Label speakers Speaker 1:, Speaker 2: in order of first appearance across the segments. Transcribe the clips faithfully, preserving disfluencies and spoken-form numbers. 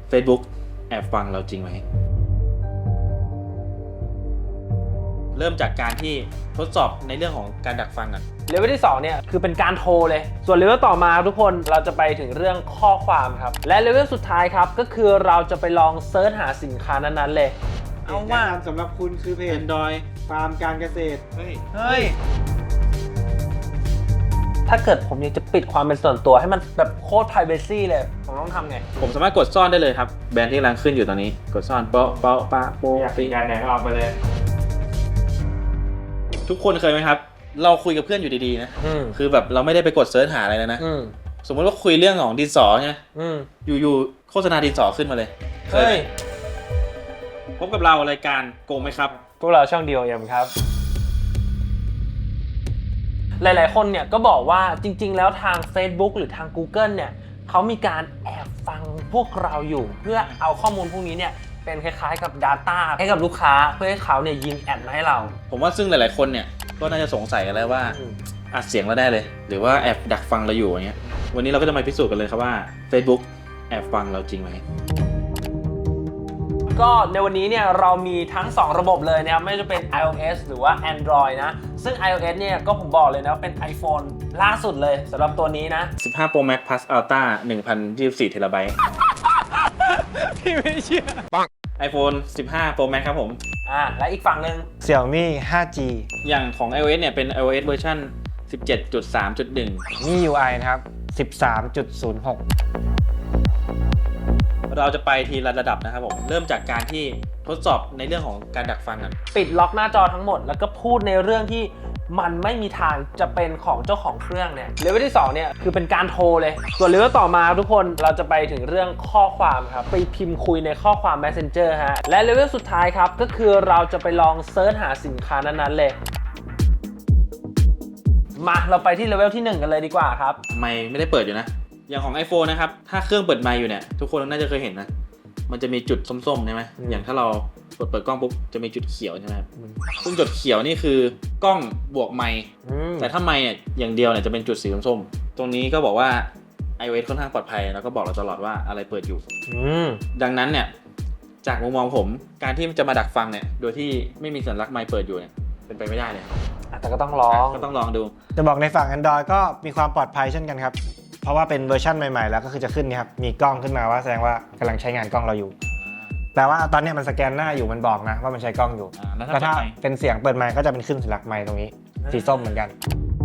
Speaker 1: Facebook แอบฟังเราจริงไหมเริ่มจากการที่ทดสอบในเรื่องของการดักฟังก่อน
Speaker 2: เลเวลที่สองเนี่ยคือเป็นการโทรเลยส่วนเลเวลต่อมาทุกคนเราจะไปถึงเรื่องข้อความครับและเลเวลสุดท้ายครับก็คือเราจะไปลองเซิร์ชหาสินค้านั้นๆเลยเอาว่า
Speaker 3: สำหรับคุณคือเพจ
Speaker 1: Android
Speaker 3: ฟาร์มการเกษตรเฮ้ยเฮ้ย
Speaker 2: ถ้าเกิดผมอยากจะปิดความเป็นส่วนตัวให้มันแบบโคตร privacy เลยผมต้องทำไง
Speaker 1: ผมสามารถกดซ่อนได้เลยครับแบรนด์ที่กำลังขึ้นอยู่ตอนนี้กดซ่อนเปาะเปาะปะโปะ
Speaker 3: อยากปิดการแหนออกไปเลย
Speaker 1: ทุกคนเคยไหมครับเราคุยกับเพื่อนอยู่ดีๆนะคือแบบเราไม่ได้ไปกดเซิร์ชหาอะไรแล้วนะสมมติว่าคุยเรื่องของดินสอไงอยู่ๆโฆษณาดินสอขึ้นมาเลยเคยพบกับเรารายการโกงไหมครับ
Speaker 2: พวกเราช่องเดียวเอ็มครับหลายๆคนเนี่ยก็บอกว่าจริงๆแล้วทาง Facebook หรือทาง Google เนี่ยเขามีการแอบฟังพวกเราอยู่เพื่อเอาข้อมูลพวกนี้เนี่ยเป็นคล้ายๆกับ Data ให้กับลูกค้าเพื่อให้เขาเนี่ยยิงแอดมาให้เรา
Speaker 1: ผมว่าซึ่งหลายๆคนเนี่ยก็น่าจะสงสัยกันแล้วว่าอัดเสียงเราได้เลยหรือว่าแอบดักฟังเราอยู่อย่างเงี้ยวันนี้เราก็จะมาพิสูจน์กันเลยครับว่า Facebook แอบฟังเราจริงไหม
Speaker 2: ก็ในวันนี้เนี่ยเรามีทั้งสองระบบเลยนะครับไม่ว่าจะเป็น iOS หรือว่า Android นะซึ่ง iOS เนี่ยก็ผมบอกเลยนะว่าเป็น iPhone ล่าสุดเลยสำหรับตัวนี้นะ
Speaker 1: สิบห้า Pro Max Plus Ultra หนึ่งพันยี่สิบสี่ เทราไบต์
Speaker 2: พี่ไม่เชื่อ
Speaker 1: ปัง iPhone สิบห้า Pro Max ครับผม
Speaker 2: อ่าและอีกฝั่งหนึ่ง
Speaker 3: Xiaomi ไฟว์ จี
Speaker 1: อย่างของ iOS เนี่ยเป็น iOS เวอร์ชัน สิบเจ็ดจุดสามจุดหนึ่ง
Speaker 3: มี ยู ไอ นะครับ สิบสามจุดศูนย์หก
Speaker 1: เราจะไปทีละระดับนะครับผมเริ่มจากการที่ทดสอบในเรื่องของการดักฟังกัน
Speaker 2: ปิดล็อกหน้าจอทั้งหมดแล้วก็พูดในเรื่องที่มันไม่มีทางจะเป็นของเจ้าของเครื่องเนี่ยเลเวลที่สองเนี่ยคือเป็นการโทรเลยส่วนเลเวลต่อมาทุกคนเราจะไปถึงเรื่องข้อความครับไปพิมพ์คุยในข้อความ Messenger ฮะและเลเวลสุดท้ายครับก็คือเราจะไปลองเซิร์ชหาสินค้านั้นๆเลยมาเราไปที่เลเวลที่หนึ่งกันเลยดีกว่าครับ
Speaker 1: ไม่ไม่ได้เปิดอยู่นะอย่างของ iPhone นะครับถ้าเครื่องเปิดไมค์อยู่เนี่ยทุกคนน่าจะเคยเห็นนะมันจะมีจุดส้มๆใช่ไหมอย่างถ้าเรากดเปิดกล้องปุ๊บจะมีจุดเขียวใช่ไหมครับซึ่งจุดเขียวนี่คือกล้องบวกไมค์แต่ถ้าไมค์เนี่ยอย่างเดียวเนี่ยจะเป็นจุดสีส้มๆตรงนี้ก็บอกว่า iOS ค่อนข้างปลอดภัยแล้วก็บอกเราตลอดว่าอะไรเปิดอยู่ดังนั้นเนี่ยจากมุมมองผมการที่จะมาดักฟังเนี่ยโดยที่ไม่มีสัญลักษณ์ไมค์เปิดอยู่เนี่ยเป็นไปไม่ได้เลย
Speaker 2: แต่ก็ต้องลอง
Speaker 1: ก็ต้องลองดู
Speaker 3: จะบอกในฝั่ง Android ก็มีความปลอดภัยเช่นกันครับเพราะว่าเป็นเวอร์ชันใหม่ๆแล้วก็คือจะขึ้นนี่ครับมีกล้องขึ้นมาว่าแสดงว่ากำลังใช้งานกล้องเราอยู่แต่ว่าตอนนี้มันสแกนหน้าอยู่มันบอกนะว่ามันใช้กล้องอยู่แล้วถ้าเป็นเสียงเปิดไมค์ก็จะเป็นขึ้นสัญลักษณ์ไมค์ตรงนี้สีส้มเหมือนกัน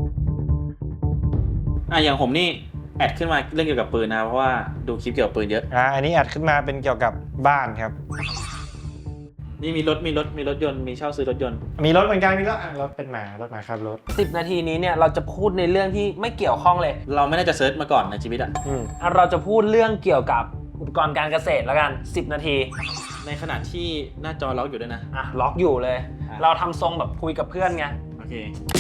Speaker 1: อ่ะอย่างผมนี่แอดขึ้นมาเรื่องเกี่ยวกับปืนนะเพราะว่าดูคลิปเกี่ยวกับปืนเยอะ
Speaker 3: อ่าอันนี้แอดขึ้นมาเป็นเกี่ยวกับบ้านครับ
Speaker 1: นี่มีรถมีรถมีรถยนต์มีเช่าซื้อรถยนต์
Speaker 3: มีรถเหมือนกันมีรถรถเป็นหมารถหมาครับรถ
Speaker 2: สิบนาทีนี้เนี่ยเราจะพูดในเรื่องที่ไม่เกี่ยวข้องเลย
Speaker 1: เราไม่น่าจะเซิร์ชมาก่อนในชีวิตอ่ะ
Speaker 2: อืมเราจะพูดเรื่องเกี่ยวกับอุปกรณ์การเกษตรแล้วกันสิบนาที
Speaker 1: ในขณะที่หน้าจอล็อกอยู่ด้วยนะ
Speaker 2: อ่ะล็อกอยู่เลยเราทำทรงแบบคุยกับเพื่อนไง
Speaker 1: โอเค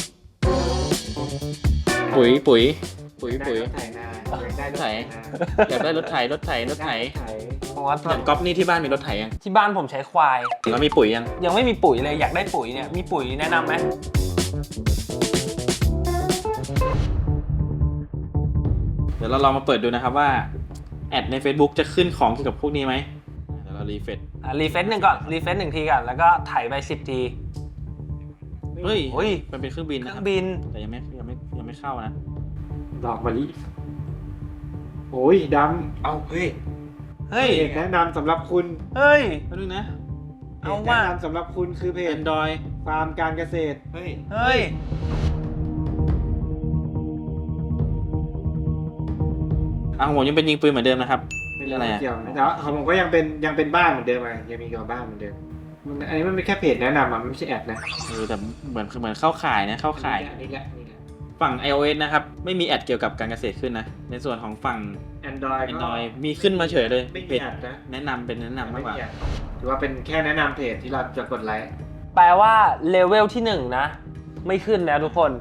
Speaker 1: ปุ๋ยปุ๋ยปุ๋ยปุ๋ยรถไถอยากได้รถไถรถไถรถไถอย่างก๊อฟนี่ที่บ้านมีรถไถยัง
Speaker 2: ที่บ้านผมใช้ควาย
Speaker 1: แล้วมีปุ๋ยยัง
Speaker 2: ยังไม่มีปุ๋ยเลยอยากได้ปุ๋ยเนี่ยมีปุ๋ยแนะนำไหม
Speaker 1: เดี๋ยวเราลองมาเปิดดูนะครับว่าแอดใน Facebook จะขึ้นของเกี่ยวกับพวกนี้ไหมเดี๋ยวเรารีเฟรช
Speaker 2: อ่ะรีเฟรชหนึ่งก่อนรีเฟรชหนึ่งทีก่อนแล้วก็ไถไปสิบที
Speaker 1: เฮ้ยเฮ้ยมันเป็นเครื่องบินนะ
Speaker 2: เครื่องบิน
Speaker 1: แต่ยังไม่ยังไม่ยังไม่เข้านะ
Speaker 3: ดอกมะลิโอ้ยดำ
Speaker 1: เอาเฮ้ย
Speaker 3: เฮ้ยแนะนำสำหรับคุณ
Speaker 2: เฮ้ย
Speaker 1: มาดูนะ
Speaker 3: เอาว่าแนะนำสำหรับคุณคือเพจ
Speaker 1: Android
Speaker 3: ฟาร์มการเกษตร
Speaker 1: เฮ้ย
Speaker 2: เฮ้ย
Speaker 1: อ่ะผมยังเป็นยิงปืนเหมือนเดิมนะครับ
Speaker 3: เป็นอะไรเกี่ยวแต่ว่าของผมก็ยังเป็นยังเป็นบ้านเหมือนเดิมอ่ะยังมีกับบ้านเหมือนเดิมอันนี้มันเป็นแค่เพจแนะนำอ่ะมันไม่ใช่แอดนะ
Speaker 1: เออแต่เหมือนเหมือนเข้าข่ายนะเข้าข่าย
Speaker 3: นี่แหละ
Speaker 1: ฝั่ง iOS นะครับไม่มีแอดเกี่ยวกับการเกษตรขึ้นนะในส่วนของฝั่ง
Speaker 3: Android
Speaker 1: Android มีขึ้นมาเฉยเลย
Speaker 3: ไม่มีแอดนะ
Speaker 1: แนะนำเป็นแนะนำมากกว่า
Speaker 3: ถือว่าเป็นแค่แนะนำเพจที่เราจะกดไลค์
Speaker 2: แปลว่าเลเวลที่หนึ่งนะไม่ขึ้นแล้วทุกคน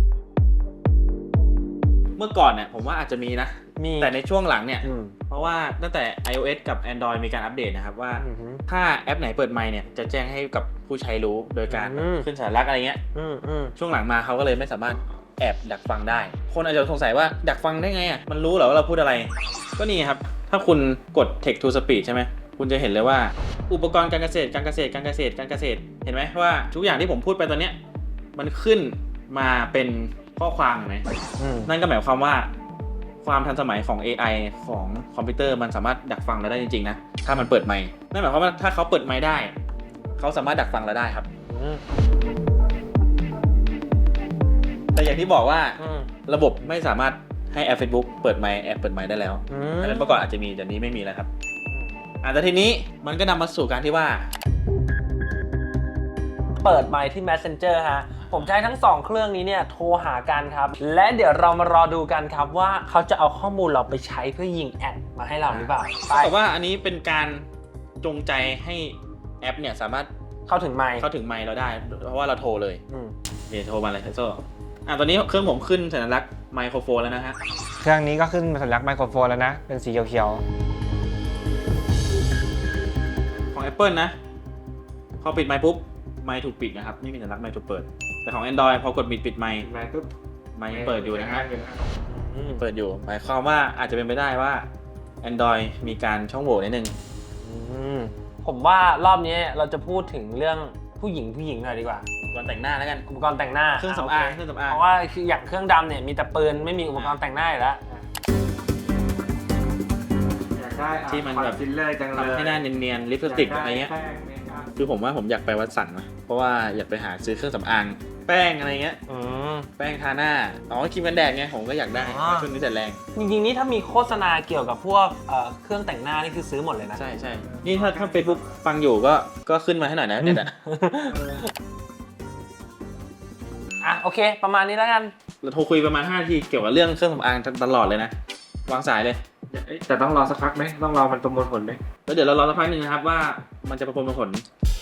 Speaker 1: เมื่อก่อนเนี่ยผมว่าอาจจะมีนะแต่ในช่วงหลังเนี่ยเพราะว่าตั้งแต่ iOS กับ Android มีการอัปเดตนะครับว่าถ้าแอปไหนเปิดไมค์เนี่ยจะแจ้งให้กับผู้ใช้รู้โดยการขึ้นสัญลักษณ์อะไรเงี้ยช่วงหลังมาเขาก็เลยไม่สามารถแอบดักฟังได้คนอาจจะสงสัยว่าดักฟังได้ไงอ่ะมันรู้เหรอว่าเราพูดอะไรก็นี่ครับถถ้าคุณกด text to speech ใช่ไหมคุณจะเห็นเลยว่าอุปกรณ์การเกษตรการเกษตรการเกษตรการเกษตรเห็นไหมว่าทุกอย่างที่ผมพูดไปตอนเนี้ยมันขึ้นมาเป็นข้อความเห็นไหม
Speaker 2: อืม
Speaker 1: นั่นก็หมายความว่าความทันสมัยของ เอ ไอ ของคอมพิวเตอร์มันสามารถดักฟังเราได้จริงๆนะถ้ามันเปิดไมค์นั่นหมายความว่าถ้าเขาเปิดไมค์ได้เขาสามารถดักฟังเราได้ครับ
Speaker 2: อืม
Speaker 1: แต่อย่างที่บอกว่า
Speaker 2: อืม
Speaker 1: ระบบไม่สามารถให้แอป Facebook เปิดไมค์แอปเปิดไมค์ได้แล้ว
Speaker 2: อื
Speaker 1: อัน
Speaker 2: ม
Speaker 1: นั้นเมื่อก่อนอาจจะมีแต่นี้ไม่มีแล้วครับอ่ะแต่ทีนี้มันก็นำมาสู่การที่ว่า
Speaker 2: เปิดไมค์ที่ Messenger ฮะ ผมจะให้ทั้งสองเครื่องนี้เนี่ยโทรหากันครับ และเดี๋ยวเรามารอดูกันครับว่าเขาจะเอาข้อมูลเราไปใช้เพื่อยิงแอดมาให้เราหรือเปล่าไป
Speaker 1: แต่ว่าอันนี้เป็นการจงใจให้แอปเนี่ยสามารถ
Speaker 2: เข้าถึงไมค์
Speaker 1: เข้าถึงไมค์เราได้ เพราะว่าเราโทรเลย
Speaker 2: อืม
Speaker 1: เดี๋ยวโทรมาเลยเทโซ่อ่ะตอนนี้เครื่องผมขึ้นสัญลักษณ์ไมโครโฟนแล้วนะฮะ
Speaker 3: เครื่องนี้ก็ขึ้นสัญลักษณ์ไมโครโฟนแล้วนะ เป็นสีเขียว
Speaker 1: ของ Apple นะพอปิดไมค์ปุ๊บไมค์ถูกปิดนะครับไม่มีสัญลักษณ์ไมค์ถูกเปิด แต่ของ Android พอกดปิดปิดไมค์
Speaker 3: ๆไมค์ปุ๊บ
Speaker 1: ไมค์เปิดอยู่นะฮะ
Speaker 2: อืม
Speaker 1: เปิดอยู่หมายความว่าอาจจะเป็นไปได้ว่า Android มีการช่องโหว่นิดนึง
Speaker 2: อืมผมว่ารอบนี้เราจะพูดถึงเรื่องผู้หญิงผู้หญิงหน่อยดีกว่า
Speaker 1: ก่อนแต่งหน้าแล้วกัน
Speaker 2: อุปกรณ์แต่งหน้า
Speaker 1: เครื่องสำอาง
Speaker 2: โ
Speaker 1: เครื่องสำอาง
Speaker 2: เพราะว่าคืออย่างเครื่องดำเนี่ยมีแต่ปืนไม่มีอุปกรณ์แต่งหน้าอยู่แล้ว
Speaker 3: อยากได้
Speaker 1: ที่มันแบบ
Speaker 3: ฟิลเลอร์จังเลย
Speaker 1: ทำให้หน้าเนียนๆลิปสติกอะไรเงี้ยคือผมว่าผมอยากไปวัดสันนะเพราะว่าอยากไปหาซื้อเครื่องสำอางแป้งอะไรเงี้ย
Speaker 2: อืม
Speaker 1: แป้งทาหน้าอ๋อครีมกันแดดไงผมก็อยากได้
Speaker 2: อ๋อ
Speaker 1: ช่วงนี้แดดแรง
Speaker 2: จริงๆนี่ถ้ามีโฆษณาเกี่ยวกับพวกเอ่อเครื่องแต่งหน้านี่คือซื้อหมดเลยนะ
Speaker 1: ใช่ใช่นี่ถ้าถ้า Facebook ฟังอยู่ก็ก็ขึ้นมาให้หน่อยนะเด็ดอะ
Speaker 2: อ่ะโอเค ประมาณนี้แล้วกัน
Speaker 1: เราโทรคุยประมาณห้านาทีเกี่ยวกับเรื่องเครื่องสำอางตลอดเลยนะวางสายเลย
Speaker 3: แต่ต้องรอสักพักไหมต้องรอมันประมวลผลไหม
Speaker 1: แล้วเดี๋ยวเรารอสักพักหนึ่งนะครับว่ามันจะประมวลผล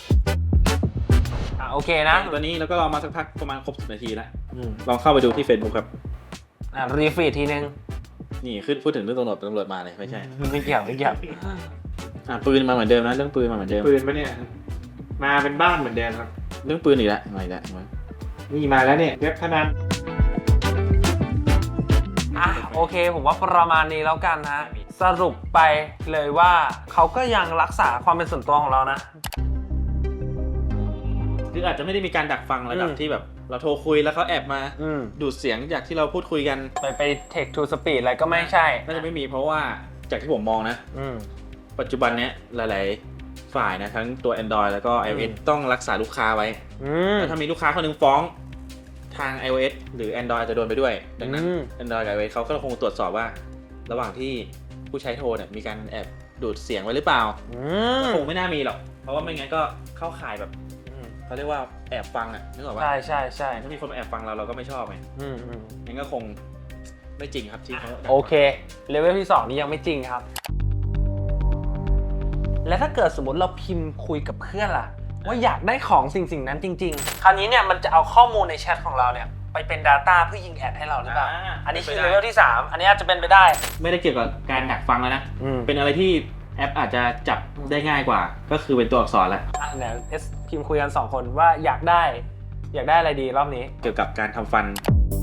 Speaker 2: อ่ะโอเคนะ
Speaker 1: ตอนนี้เราก็รอมาสักพักประมาณครบสิบนาทีแล้ว
Speaker 2: อืม
Speaker 1: ลองเข้าไปดูที่ Facebook ครับ
Speaker 2: อ่ะรีฟีดทีนึง
Speaker 1: นี่ขึ้นพูดถึงเรื่องตำรวจตำรวจมาเลยไม่ใช่
Speaker 2: ไม่เกี่ยวไม่เกี่ยว
Speaker 1: อ่ะปืนมาเหมือนเดิมนะเรื่องปืนมาเหมือนเดิม
Speaker 3: ปืนปะเนี่ยมาเป็นบ้านเหมือนเดิมครับ
Speaker 1: เรื่องปืนอีกแล้วมาอีกแล้วมา
Speaker 3: นี่มาแล้วเนี่ยเว็บพนัน
Speaker 2: อ่ะโอเค ผมว่าประมาณนี้แล้วกันฮะสรุปไปเลยว่าเขาก็ยังรักษาความเป็นส่วนตัวของเรานะ
Speaker 1: คืออาจจะไม่ได้มีการดักฟังระดับ
Speaker 2: อืม
Speaker 1: ที่แบบ เราโทรคุยแล้วเขาแอบมา
Speaker 2: อืม
Speaker 1: ดูดเสียงจากที่เราพูดคุยกัน
Speaker 2: ไปไป text to speech อะไรก็ไม่ใช่
Speaker 1: น่าจะไม่มีเพราะว่าจากที่ผมมองนะ
Speaker 2: อืม
Speaker 1: ปัจจุบันเนี้ยหลายๆฝ่ายนะทั้งตัว Android แล้วก็ iOS
Speaker 2: อืม
Speaker 1: ต้องรักษาลูกค้าไว้
Speaker 2: อืม
Speaker 1: แล้วถ้ามีลูกค้าคนหนึงฟ้องทาง iOS หรือ Android จะโดนไปด้วย ดังนั้น
Speaker 2: อืม
Speaker 1: Android กับ iOS เขาก็คงตรวจสอบว่า ระหว่างที่ผู้ใช้โทรเนี่ยมีการแอบดูดเสียงไว้หรือเปล่า
Speaker 2: อืม
Speaker 1: คงไม่น่ามีหรอก เพราะว่าไม่งั้นก็เข้าข่ายแบบ
Speaker 2: อืม
Speaker 1: เขาเรียกว่าแอบฟังอ่ะนึกออกปะ
Speaker 2: ใช่ใช่ใช่
Speaker 1: ถ้ามีคนมาแอบฟังเราเราก็ไม่ชอบไง
Speaker 2: อืมอืม
Speaker 1: งั้นก็คงไม่จริงครับที่เขา
Speaker 2: โอเค เลเวลที่สองนี้ยังไม่จริงครับ และถ้าเกิดสมมติเราพิมพ์คุยกับเพื่อนล่ะ ว่าอยากได้ของสิ่งสิ่งนั้นจริง ๆ คราวนี้เนี่ยมันจะเอาข้อมูลในแชทของเราเนี่ยไปเป็น Data เพื่อยิงแอดให้เราหรือเปล่า อันนี้คือเลเวลที่สามอันนี้อาจจะเป็นไปได้
Speaker 1: ไม่ได้เกี่ยวกับการดักฟังแล้วนะ
Speaker 2: อืม
Speaker 1: เป็นอะไรที่แอปอาจจะจับได้ง่ายกว่า ก็คือเป็นตัวอักษรแล้ว
Speaker 2: อ่ะเดี๋ยวเอสพิมพ์คุยกันสองคนว่าอยากได้ อยากได้อะไรดีรอบนี้
Speaker 1: เกี่ยวกับการทำฟัน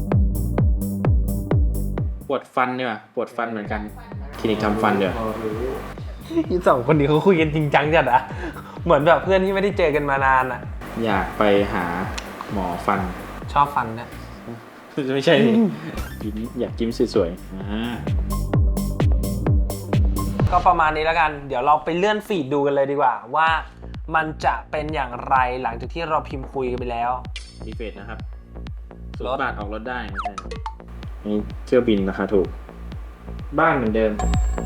Speaker 1: ปวดฟันเนี่ยปวดฟันเหมือนกันคลินิกทำฟันเดี๋ยว
Speaker 2: สองคนนี้เขาคุยกันจริงจังจัดอะเหมือนแบบเพื่อนที่ไม่ได้เจอกันมานานอะ
Speaker 1: อยากไปหาหมอฟัน
Speaker 2: ชอบฟันนะ
Speaker 1: ไม่ใช่ดิยิ้มอยากยิ้มสวยๆอ่า
Speaker 2: ก็ประมาณนี้แล้วกัน เดี๋ยวเราไปเลื่อนฟีดดูกันเลยดีกว่า ว่ามันจะเป็นอย่างไรหลังจากที่เราพิมพ์คุยกันไปแล้ว
Speaker 1: มีเฟสนะครับศู
Speaker 2: ร
Speaker 1: น
Speaker 2: ถ
Speaker 1: ย์บาทออกรถได้ไม่ใช่นี่เที่ยวบินราคาถูก
Speaker 3: บ้านเหมือนเดิม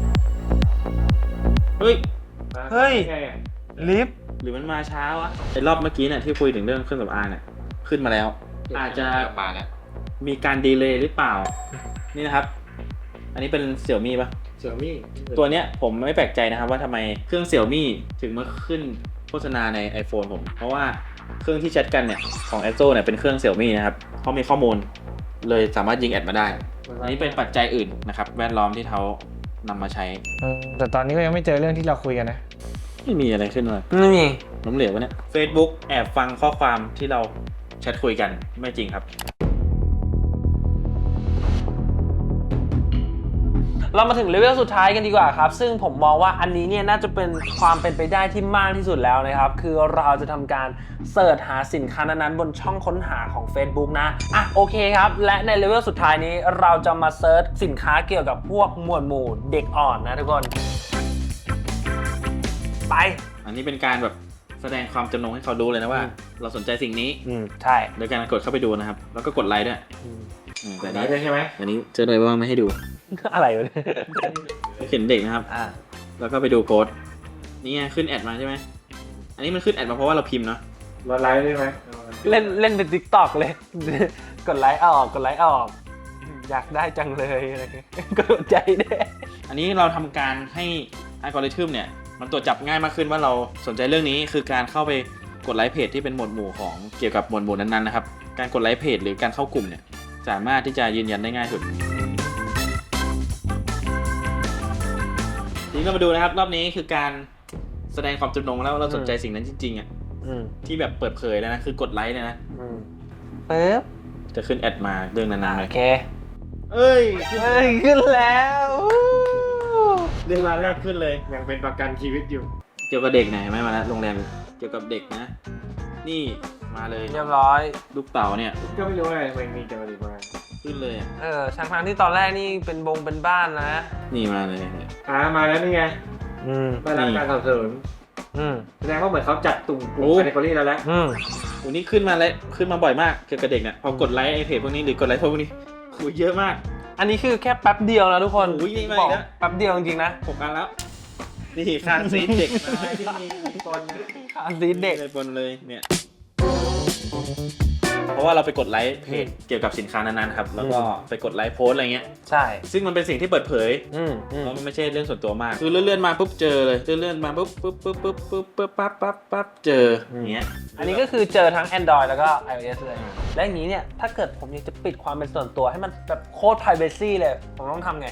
Speaker 1: เฮ้ย
Speaker 2: เฮ้ย ลิฟต์
Speaker 1: หรือมันมาช้าวะไอ้รอบเมื่อกี้เนี่ยที่คุยถึงเรื่องเครื่องสำอางเนี่ยขึ้นมาแล้ว อาจจะ
Speaker 4: มาแล้ว
Speaker 1: มีการดีเลย์หรือเปล่า นี่นะครับ อันนี้เป็นเสี่ยวมี่ปะ
Speaker 3: เสี่ยวมี่
Speaker 1: ตัวเนี้ยผมไม่แปลกใจนะครับว่าทำไมเครื่องเสี่ยวมี่ถึงมาขึ้นโฆษณาใน iPhone ผม เพราะว่าเครื่องที่แชทกันเนี่ยของ แอสโซ เนี่ยเป็นเครื่องเสี่ยวมี่นะครับเขามีข้อมูลเลยสามารถยิงแอดมาได้ อันนี้เป็นปัจจัยอื่นนะครับแวดล้อมที่เขานำมาใช้
Speaker 3: แต่ตอนนี้ก็ยังไม่เจอเรื่องที่เราคุยกันนะ
Speaker 1: ไม่มีอะไรขึ้นมา
Speaker 2: ไม่มี
Speaker 1: ล้มเหลววะเนี่ย Facebook แอบฟังข้อความที่เราแชทคุยกันไม่จริงครับ
Speaker 2: เรามาถึงเลเวลสุดท้ายกันดีกว่าครับซึ่งผมมองว่าอันนี้เนี่ยน่าจะเป็นความเป็นไปได้ที่มากที่สุดแล้วนะครับคือเราจะทำการเสิร์ชหาสินค้านั้นๆบนช่องค้นหาของ Facebook นะอ่ะโอเคครับและในเลเวลสุดท้ายนี้เราจะมาเสิร์ชสินค้าเกี่ยวกับพวกหมวดหมู่เด็กอ่อนนะทุกคนไป
Speaker 1: อันนี้เป็นการแบบแสดงความจำนงให้เขาดูเลยนะว่า เราสนใจสิ่งนี้
Speaker 2: อืมใช่
Speaker 1: โดยการกดเข้าไปดูนะครับ แล้วก็กดไลค์ด้วยอืมแต่
Speaker 3: ได้
Speaker 1: นี้
Speaker 3: ใช่ไหม
Speaker 1: อันนี้เจอเลยว่าไม่ให้ดู
Speaker 2: อะไรวะเนี่ย
Speaker 1: เขียนเด็กนะครับ
Speaker 2: อ่า
Speaker 1: แล้วก็ไปดูโพสต์นี่ไงขึ้นแอดมาใช่ไหมอันนี้มันขึ้นแอดมาเพราะว่าเราพิมพ์เนาะ
Speaker 3: ลดไลค์ได้ไหม
Speaker 2: เล่นเล่นเป็น ติ๊กต็อก เลย กดไลค์ออกกดไลค์ออก อยากได้จังเลยอะไรเงี้ยกดใจแน่
Speaker 1: อันนี้เราทำการให้อัลกอริทึมเนี่ยมันตรวจจับง่ายมากขึ้นว่าเราสนใจเรื่องนี้คือการเข้าไปกดไลค์เพจที่เป็นหมวดหมู่ของเกี่ยวกับหมวดหมู่นั้นๆนะครับการกดไลค์เพจหรือการเข้ากลุ่มเนี่ยสามารถที่จะยืนยันได้ง่ายสุดทีนี้เรามาดูนะครับรอบนี้คือการแสดงความจำนงแล้วเราสนใจสิ่งนั้นจริงๆอ่ะ
Speaker 2: อืม
Speaker 1: ที่แบบเปิดเผยแล้วนะคือกดไลค์เนี่ยนะ
Speaker 2: อืมปึ๊บ
Speaker 1: จะขึ้นแอดมาเรื่องนั้นๆเล
Speaker 2: โอย เค
Speaker 1: เอ้ย
Speaker 2: เฮ้ยขึ้นแล้ว
Speaker 1: เรื่องราวแรกขึ้นเลย
Speaker 3: ยังเป็นประกันชีวิตอยู่
Speaker 1: เกี่ยวกับเด็กไหนไหมมาแล้วโรงแรมเกี่ยวกับเด็กนะ นี่มาเลย
Speaker 2: เรียบร้อย
Speaker 1: ลูกเต๋าเนี่ย
Speaker 3: ก็ไม่รู้อะไรมันมีเกี่ยวกับเด็กมา
Speaker 1: ขึ้นเลยอ่ะ
Speaker 2: เออช่างทางที่ตอนแรกนี่เป็นบงเป็นบ้านนะ
Speaker 1: นี่มาเลย
Speaker 3: อ่ามาแล้วนี่ไง
Speaker 2: อืม
Speaker 3: มารับการสนับสนุน
Speaker 2: อืม
Speaker 3: แสดงว่าเหมือนเขาจัดตุ่มกลุ่มแคตตากรีแล้วแหละ
Speaker 2: อืม
Speaker 1: โอ้นี่ขึ้นมาแล้วขึ้นมาบ่อยมากเกี่ยวกับเด็กเนี่ยพอกดไลค์ไอเพจพวกนี้หรือกดไลค์พวกนี้คุยเยอะมาก
Speaker 2: อันนี้คือแค่แป๊บเดียวนะทุกคน
Speaker 1: โอ้ยยิ่งมาอีก
Speaker 2: บอก
Speaker 1: นะ
Speaker 2: แป๊บเดียวจริงๆนะ
Speaker 1: หกอันแล้ว นี่คานซีดเด็กมาที่มีคน
Speaker 2: อาซีเด็ก
Speaker 1: เลยบนเลยเนี่ยเพราะว่าเราไปกดไลค์เพจเกี่ยวกับสินค้านั้นๆครับแล้วก็ไปกดไลค์โพสต์อะไรเงี้ย
Speaker 2: ใช่
Speaker 1: ซึ่งมันเป็นสิ่งที่เปิดเผย
Speaker 2: อืมอืม
Speaker 1: เพราะมันไม่ใช่เรื่องส่วนตัวมาก คือเลื่อนๆมาปุ๊บเจอเลย เลื่อนๆมาปุ๊บปุ๊บปุ๊บปุ๊บปุ๊บปุ๊บปั๊บปั๊บปั๊บเจออย่างเงี้ย
Speaker 2: อันนี้ก็คือเจอทั้ง Android แล้วก็ iOS เลย และอย่างนี้เนี่ย ถ้าเกิดผมอยากจะปิดความเป็นส่วนตัวให้มันแบบโคตร privacy เลย ผมต้องทำไง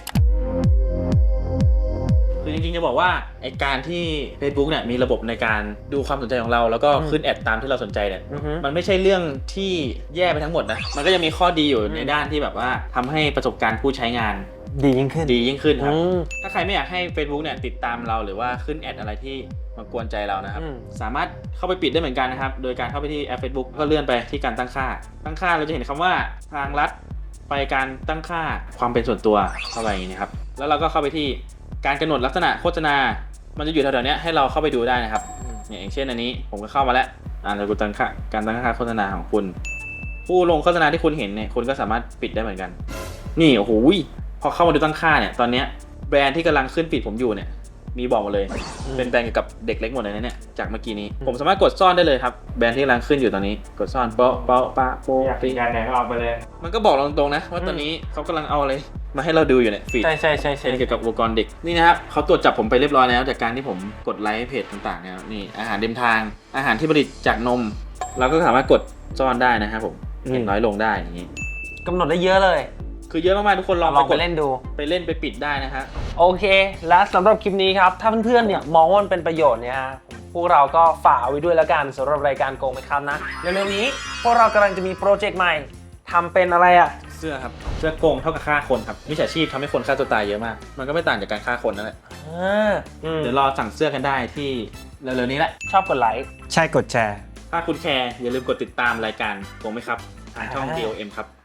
Speaker 1: คือจริงๆจะบอกว่าไอการที่ Facebook เนี่ยมีระบบในการดูความสนใจของเรา แล้วก็ขึ้นแอดตามที่เราสนใจเนี่ย
Speaker 2: อือฮึ
Speaker 1: มันไม่ใช่เรื่องที่แย่ไปทั้งหมดนะ มันก็ยังมีข้อดีอยู่ในด้านที่แบบว่าทำให้ประสบการณ์ผู้ใช้งาน
Speaker 2: ดียิ่งขึ้น
Speaker 1: ดียิ่งขึ้นครับ
Speaker 2: อืม
Speaker 1: ถ้าใครไม่อยากให้ Facebook เนี่ยติดตามเราหรือว่าขึ้นแอดอะไรที่มากวนใจเรานะครับ
Speaker 2: อืม
Speaker 1: สามารถเข้าไปปิดได้เหมือนกันนะครับ โดยการเข้าไปที่แอป Facebook ก็เลื่อนไปที่การตั้งค่า ตั้งค่าเราจะเห็นคำว่าทางลัดไปการตั้งค่าความเป็นส่วนตัวเข้าไปอย่างนี้นะครับ แล้วเราก็เข้าไปที่การกำหนดลักษณะโฆษณา มันจะอยู่แถวๆนี้ให้เราเข้าไปดูได้นะครับเนี่ยอย่างเช่นอันนี้ผมก็เข้ามาแล้วอ่าเราดูตั้งค่าการตั้งค่าโฆษณาของคุณ ผู้ลงโฆษณาที่คุณเห็นเนี่ยคุณก็สามารถปิดได้เหมือนกัน นี่โอ้โหพอเข้ามาดูตั้งค่าเนี่ยตอนเนี้ยแบรนด์ที่กำลังขึ้นฟีดผมอยู่เนี่ยมีบอกมาเลย เป็นแบรนด์เกี่ยวกับเด็กเล็กหมดเลยนะเนี่ยจากเมื่อกี้นี้ผมสามารถกดซ่อนได้เลยครับแบรนด์ที่กำลังขึ้นอยู่ตอนนี้กดซ่อนเปาะเปาะปะโปะ
Speaker 3: อยาก
Speaker 1: ปิ
Speaker 3: ปิดงานไหนก็เอาไปเลย
Speaker 1: มันก็บอกเราตรงๆนะว่าตอนนี้เขากำลังเอาอะไรมาให้เราดูอยู่เนี่ยฟีด
Speaker 2: ใช่ใช่ใช่ใช่
Speaker 1: เป็นเกี่ยวกับอุปกรณ์เด็กนี่นะครับเขาตรวจจับผมไปเรียบร้อยแล้วจากการที่ผมกดไลค์เพจต่างๆเนี่ยนี่อาหารเดิมทางอาหารที่ผลิตจากนม เราก็สามารถกดซ่อนได้นะครับผมเห็นน้อยลงได้อย่างนี้
Speaker 2: กำหนดได้เยอะเลย
Speaker 1: คือเยอะมากๆทุกคนลอง
Speaker 2: ลอง
Speaker 1: ไป
Speaker 2: ไป
Speaker 1: กด
Speaker 2: เล่นดู
Speaker 1: ไปเล่นไปปิดได้นะฮะ
Speaker 2: โอเค และสำหรับคลิปนี้ครับ ถ้าเพื่อนๆ เนี่ยมองว่ามันเป็นประโยชน์เนี่ยฮะพวกเราก็ฝากเอาไว้ด้วยแล้วกันสำหรับรายการโกงไหมครับนะ เร็วๆนี้พวกเรากำลังจะมีโปรเจกต์ใหม่ทำเป็นอะไรอ่ะ
Speaker 1: เสื้อครับเสื้อโกงเท่ากับฆ่าคนครับมิจฉาชีพทำให้คนฆ่าตัวตายเยอะมาก มันก็ไม่ต่างจากการฆ่าคนนั่นแหละ
Speaker 2: อ่าอืม
Speaker 1: เดี๋ยวรอสั่งเสื้อกันได้ที่เร็วๆนี้แหละ
Speaker 2: ชอบกดไลค์
Speaker 3: ใช่กดแชร์
Speaker 1: ถ้าคุณแคร์อย่าลืมกดติดตามรายการโกงไหมครับทางช่อง
Speaker 2: อ่า
Speaker 1: ดี โอ เอ็ม ครับ